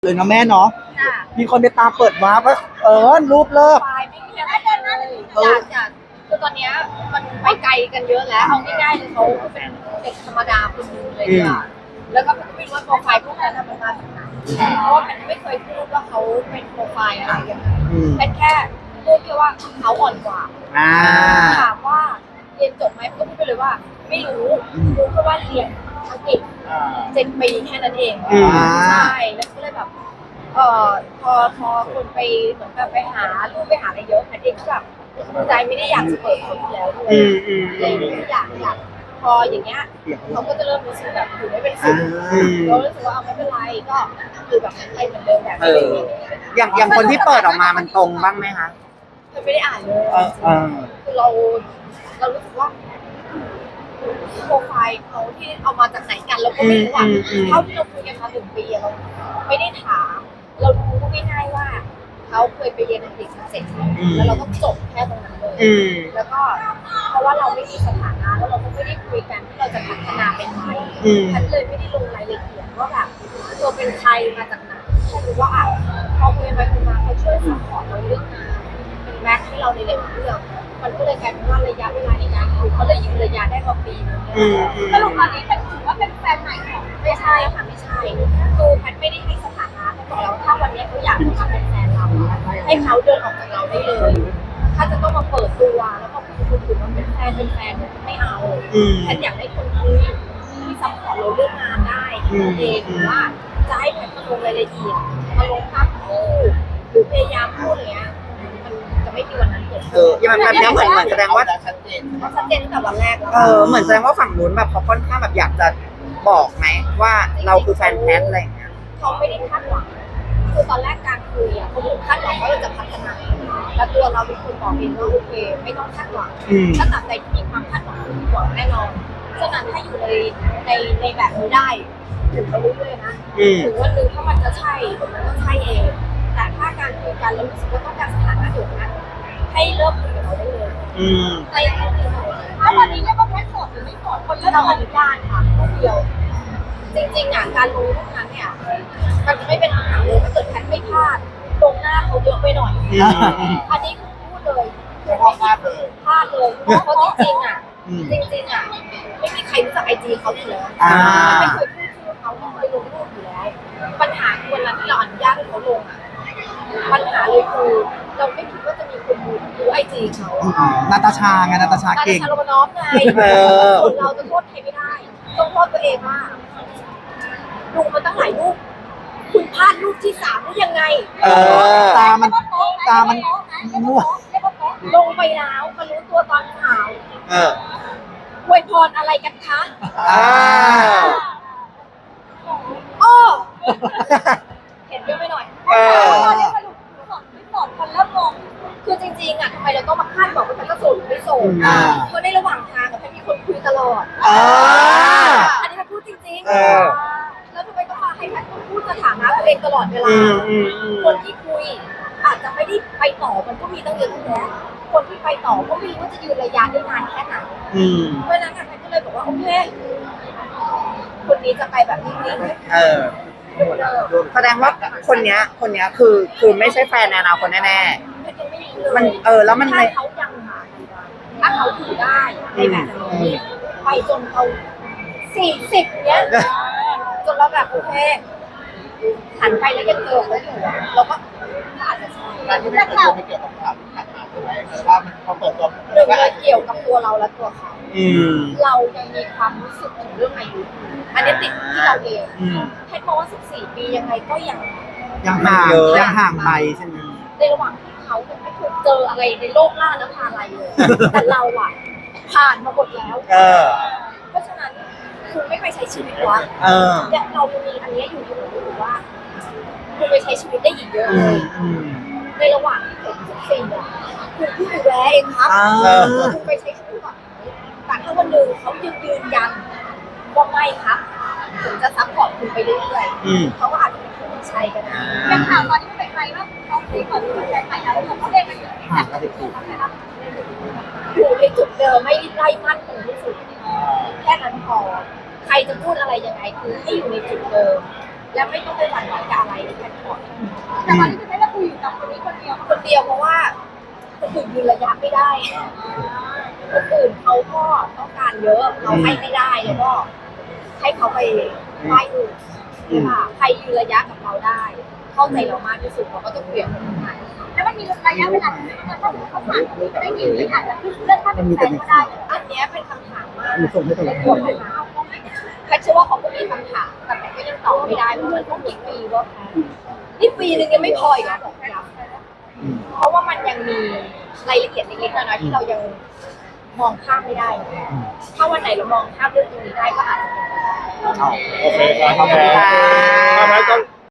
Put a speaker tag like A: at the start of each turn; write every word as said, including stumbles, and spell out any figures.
A: เลยนะแม่เนาะ
B: จ้ะ
A: มีคนไปตามเปิดวาร์ปว่าเออรูปเลิก
B: ไฟล์ไม่มีอะไรเลยอยากอยากคือตอนเนี้ยมันไปไกลกันเยอะแล้วเอาง่ายๆเลยเขาเป็นเด็กธรรมดาคนนึงเลยค่ะแล้วก็ไม่รู้ว่าโปรไฟล์พวกนั้นมันมาจากไหนเพราะว่าแพทไม่เคยพูดว่าเขาเป็นโปรไฟล์อะไรยังไงแพทแค่พูดแค่ว่าเขาอ่อนกว่าถามว่าเรียนจบไหมก็พูดไปเลยว่าไม่รู้รู้แค่ว่าเรียนอังกฤษเจ็ดปีแค่นั้นเองใช่แล้วก็เลยแบบเอ่อพอพอคนไปเหมือนแบบไปหารูปไปหาอะไรเยอะแพทเองก็แบบใจไม่ได้อยากจะเปิดคนแล้วด้วยเลยอยากอยากพออย่างเงี้ยเขาก็จะเริ่มรู้สึกแบบอยู่ไม่เป็นสุขเรารู้สึกว่าเอาไม่เป็นไรก็คือแบบไปเหมือนเดิมแบบนี้
C: อย่างอย่างคนที่เปิดออกมามันตรงบ้างไหมคะ
B: มันไม่ได้อ่านเลยคือเราเรารู้สึกว่าโปรไฟล์เขาที่เอามาจากไหนกันเราก็ไม่รู้อ่ะเท่าที่เราคุยกันมาหนึ่งปีเราไม่ได้ถามเรารู้ง่ายๆว่าเขาเคยไปเรียนอังกฤษมาเสร็จแล้วเราก็จบแค่ตรงนั้นเลยแล้วก็เพราะว่าเราไม่มีสถานะแล้วเราก็ไม่ได้คุยกันที่เราจะพัฒนาเป็นไงฉันเลยไม่ได้ลงรายละเอียดว่าแบบตัวเป็นใครมาจากไหนแค่รู้ว่าอ่ะพอคุยไปคุยมาเขาช่วยซัพพอร์ตเราเรื่องงานเป็นแม็กให้เราในหลายเรื่องมันก็เลยกลายเป็นว่าระยะเวลาในการคุยเขาเลยยืนระยะได้มาปีนึงสรุปตอนนี้เป็นถือว่าเป็นแฟนใหม่ของไม่ใช่ค่ะไม่ใช่คือแพทไม่ได้ให้สถานะเขาบอกแล้วถ้าวันนี้เขาอยากจะมาเป็นแฟนเราให้เขาเดินออกจากเราได้เลยถ้าจะต้องมาเปิดตัวแล้วก็พูดคุยถึงว่าเป็นแฟนเป็นแฟนไม่เอาแพทอยากให้คนคุยที่ซัพพอร์ตเราเรื่องงานได้เองหรือว่าจะให้แพทมาลงรายละเอียดมาลงภาพคู่หรือพยายามพูดอย่างเงี้ยจะไม่มีวันนั้นเกิด
C: เออยังแบบนี้เหมือนเหมือนแสดงว่า
B: ชัดเจนชัดเจนตั้งแต่วันแรกแล้ว
C: เออเหมือนแสดงว่าฝั่งนู้นแบบเขาค่อนข้างแบบอยากจะบอกไหมว่าเราคือแฟนแพทอะไรอย่างเงี้ย
B: เขาไม่ได้คาดหวังคือตอนแรกการคุยอ่ะเขาคาดหวังว่าเราจะพัฒนาแล้วตัวเราเป็นคนบอกเองว่าโอเคไม่ต้องคาดหวังถ้าตัดใจที่มีความคาดหวังคือหวังแน่นอนฉะนั้นถ้าอยู่ในในในแบบนี้ได้ถึงไปเรื่อยๆนะถึงวันนึงถ้ามันจะใช่มันก็ใช่เองแต่ถ้าการคุยกันแล้วรู้สึกว่าต้องการสถานะอยู่นั้นให้เริ่มคุยกับเราได้เลยในถ้าวันนี้เรียกว่าแพทโสดหรือไม่โสดคนที่เราอนุญาตค่ะคนเดียวจริงๆอ่ะการรู้ทุกนั้นเนี่ยมันจะไม่เป็นปัญหาเลยถ้าเกิดแพทไม่พลาดตรงหน้าเขาเยอะไปหน่อยอันนี้คือพูดเลยคือไม่พลาดเลยพลาดเลยเพราะจริงๆอ่ะจริงๆอ่ะไม่มีใครรู้จักไอจีเขาอยู่แล้วไม่เคยพูดชื่อเขาไม่เคยลงรูปอยู่แล้วปัญหาคือวันนั้นที่เราอนุญาตให้เขาลงอ่ะปัญหาเลยคือเราไม่คิดว่าจะมีคนดูดูไอจีเขา
A: นาตาชาไงนาตาชาเก่ง
B: นาตาชาโรมานอฟไงส่วนเราจะโทษใครไม่ได้ต้องโทษตัวเองว่าดูมาตั้งหลายรูปคุณพลาดรูปที่สามได้ยังไง
A: เออตามันตามันมั่ว
B: ลงไปแล้วมารู้ตัวตอนข่าว
C: เออ
B: อวยพรอะไรกันคะ
C: อ่า
B: โอ้เห็นเยอะไปหน่อยเออตอนนี้สรุปสอนไม่สอนคนเริ่มงงคือจริงๆอ่ะทำไมเราต้องมาคาดบอกว่ามันก็โสดหรือไม่โสดเพราะในระหว่างทางกับแพทมีคนคุยตลอดอันนี้แพทพูดจริงๆแล้วทำไมต้องมาให้แพทพูดสถานะตัวเองตลอดเวลาคนที่คุยอาจจะไม่ได้ไปต่อมันก็มีตั้งเยอะตั้งแยะคนที่ไปต่อก็ไม่รู้ว่าจะยืนระยะได้นานแค่ไหนเพราะฉะนั้นแพทก็เลยบอกว่าโอเคคนนี้จะไปแบบนิ่งๆ
C: เออแสดงว่าคนเนี้ยคนเนี้ยคือคือไม่ใช่แฟนในอนาคตแน่ๆมันเออแล้วมัน
B: ถ้าเขายังหาถ้าเขาถือได้ในแบบนี้ไปจนเขาสี่สิบเนี้ยจนเราแบบโอเคหันไปแล้วยังเจอเขาอยู่เราก็อาจจะใช่
D: การที่ไม่เปิดตัวไม่เกี่ยวกับความขัดแย้งใช่ไหมหรือว่ามันพอเปิดตัว
B: หนึ่งเลยเกี่ยวกับตัวเราและตัวเขาเรายังมีความรู้สึกถึงเรื่องอายุอันนี้ติดที่เราเองแค่มองว่าสิบสี่ปียังไงก็ยัง
A: ยังห่างยังห่างไปใช่ไหม
B: ในระหว่างที่เขาไม่เคยเจออะไรในโลกล่าน้ำพาอะไรเลยแต่เราอ่ะผ่านมาหมดแล้วเพราะฉะนั้นคุณไม่ไปใช้ชีวิตวะแต่เรามีอันนี้อยู่อยู่หรือว่าคุณไปใช้ชีวิตได้อีกเยอะเลยในระหว่างที่ผมสิบสี่อ่ะคุณเพิ่งดูแลเองครับคุณไปใช้ชีวิตก่อนแต่ถ้าวันหนึ่งเขายืนยืนยันว่าไม่ครับผมจะซัพพอร์ตคุณไปเรื่อยๆเขาก็อาจจะเป็นคนที่ใช่กันนะอย่างข่าวตอนนี้เป็นใครว่าเขาคุยก่อนที่จะแข่งขันแล้วเขาเล่นกันอยู่อยู่ในจุดเดิมไม่ไล่มั่นคงที่สุดแค่นั้นพอใครจะพูดอะไรยังไงคือให้อยู่ในจุดเดิมและไม่ต้องไปหวั่นไหวกับอะไรแค่ขอ
E: แต่ตอนนี้คือไม่ได้คุยอยู่กับคนนี้คนเดียว
B: คนเดียวเพราะว่าคนอื่นยืนระยะไม่ได้คนอื่นเขาก็ต้องการเยอะเราให้ไม่ได้แล้วก็ให้เขาไปไหว้อื่นใช่ป่ะใครยืนระยะกับเราได้ เข้าใจเรามากที่สุดเราก็จะเปลี่ยนคนนั้น
E: แล้วมันมีระยะเวลาที่ถ้าเขาผ่านได้ยินอาจจะเลือกถ้าเป็นแฟนก็ได้
B: อันเนี้ยเป็นคำถามมาก
A: มีส่งให้ตลอด
B: แพทย์เชื่อว่าเขาก็มีคำถามแต่แพทย์ก็ยังตอบไม่ได้เพราะมันต้องกี่ปีว่าแพทย์นี่ปีนึงยังไม่พออีกนะบอกย้ำเพราะว่ามันยังมีรายละเอียดเล็กๆน้อยๆที่เรายังมองข้ามไม่ได้ ถ้าวันไหนเรามองข้ามเรื่องตรงนี้ได้ก็อาจจะเป็นไปได้
C: โอเคครับขอบคุณค่ะ